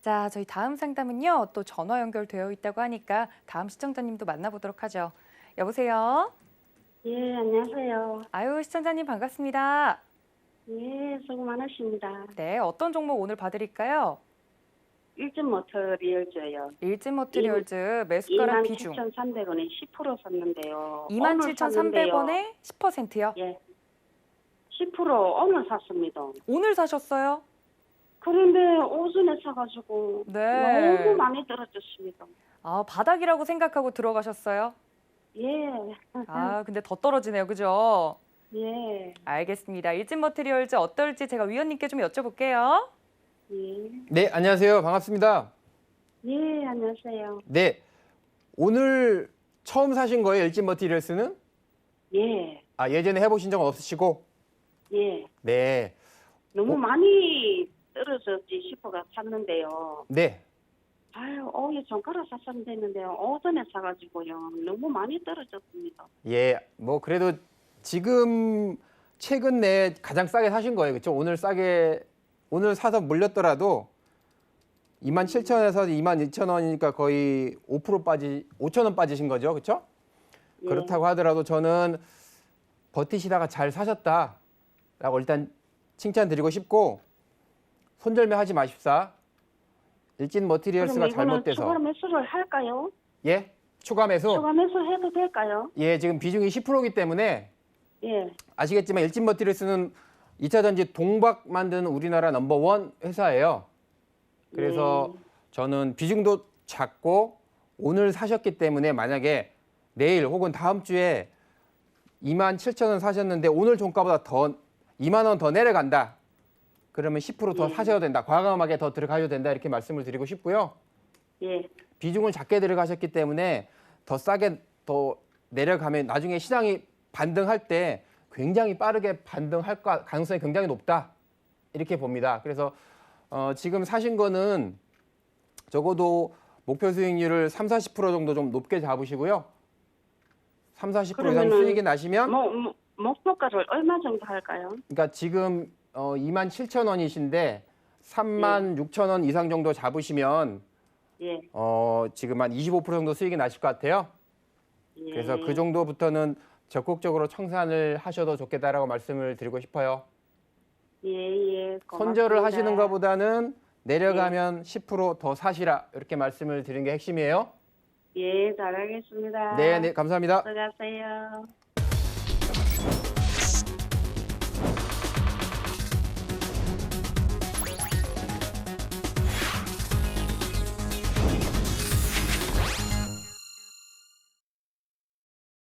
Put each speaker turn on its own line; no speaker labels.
자, 저희 다음 상담은요. 또 전화 연결되어 있다고 하니까 다음 시청자님도 만나보도록 하죠. 여보세요?
예, 안녕하세요.
아유, 시청자님 반갑습니다.
예, 수고 많으십니다.
네, 어떤 종목 오늘 봐드릴까요?
일진모터리얼즈요.
일진모트리얼즈 매수가랑 비중
27,300원에 10% 샀는데요.
27,300원에 10%요?
예, 10% 오늘 샀습니다.
오늘 사셨어요?
그런데 오전에 사가지고
네.
너무 많이 떨어졌습니다.
아, 바닥이라고 생각하고 들어가셨어요?
예,
아, 근데 더 떨어지네요. 그죠?
예,
알겠습니다. 일진머트리얼즈 어떨지 제가 위원님께 좀 여쭤볼게요.
예,
네, 안녕하세요. 반갑습니다.
예, 안녕하세요.
네, 오늘 처음 사신 거예요, 일진 머티리얼스는?
예,
아, 예전에 해보신 적은 없으시고?
예.
네,
너무 많이 떨어졌지 싶어가 샀는데요.
네.
아유, 오후에 종가로 샀으면 됐는데요. 오전에 사가지고요. 너무 많이 떨어졌습니다.
예, 뭐 그래도 지금 최근 내에 가장 싸게 사신 거예요, 그렇죠? 오늘 사서 물렸더라도 27,000원에서 22,000원이니까 거의 5,000원 빠지신 거죠, 그렇죠?
예.
그렇다고 하더라도 저는 버티시다가 잘 사셨다라고 일단 칭찬드리고 싶고 손절매 하지 마십사. 일진 머티리얼스가
그럼 이거는
잘못돼서.
추가 매수를 할까요?
예? 추가 매수?
추가 매수 해도 될까요?
예, 지금 비중이 10%이기 때문에
예.
아시겠지만 일진 머티리얼스는 2차 전지 동박 만드는 우리나라 넘버원 회사예요. 그래서 저는 비중도 작고 오늘 사셨기 때문에 만약에 내일 혹은 다음 주에 27,000원 사셨는데 오늘 종가보다 더 2만 원 더 내려간다. 그러면 10%더 사셔야 된다. 과감하게 더 들어가셔야 된다. 이렇게 말씀을 드리고 싶고요.
예.
비중을 작게 들어가셨기 때문에 더 싸게 더 내려가면 나중에 시장이 반등할 때 굉장히 빠르게 반등할 가능성이 굉장히 높다. 이렇게 봅니다. 그래서 지금 사신 거는 적어도 목표 수익률을 30, 40% 정도 좀 높게 잡으시고요. 30, 40% 이상 수익이 나시면
목표가를 얼마 정도 할까요?
그러니까 지금 27,000원이신데 36,000원 이상 정도 잡으시면
예.
지금 한 25% 정도 수익이 나실 것 같아요.
예.
그래서 그 정도부터는 적극적으로 청산을 하셔도 좋겠다라고 말씀을 드리고 싶어요.
예, 예. 고맙습니다.
손절을 하시는 것보다는 내려가면 10%더 사시라 이렇게 말씀을 드리는 게 핵심이에요.
예, 잘하겠습니다.
네, 네, 감사합니다.
들어가세요.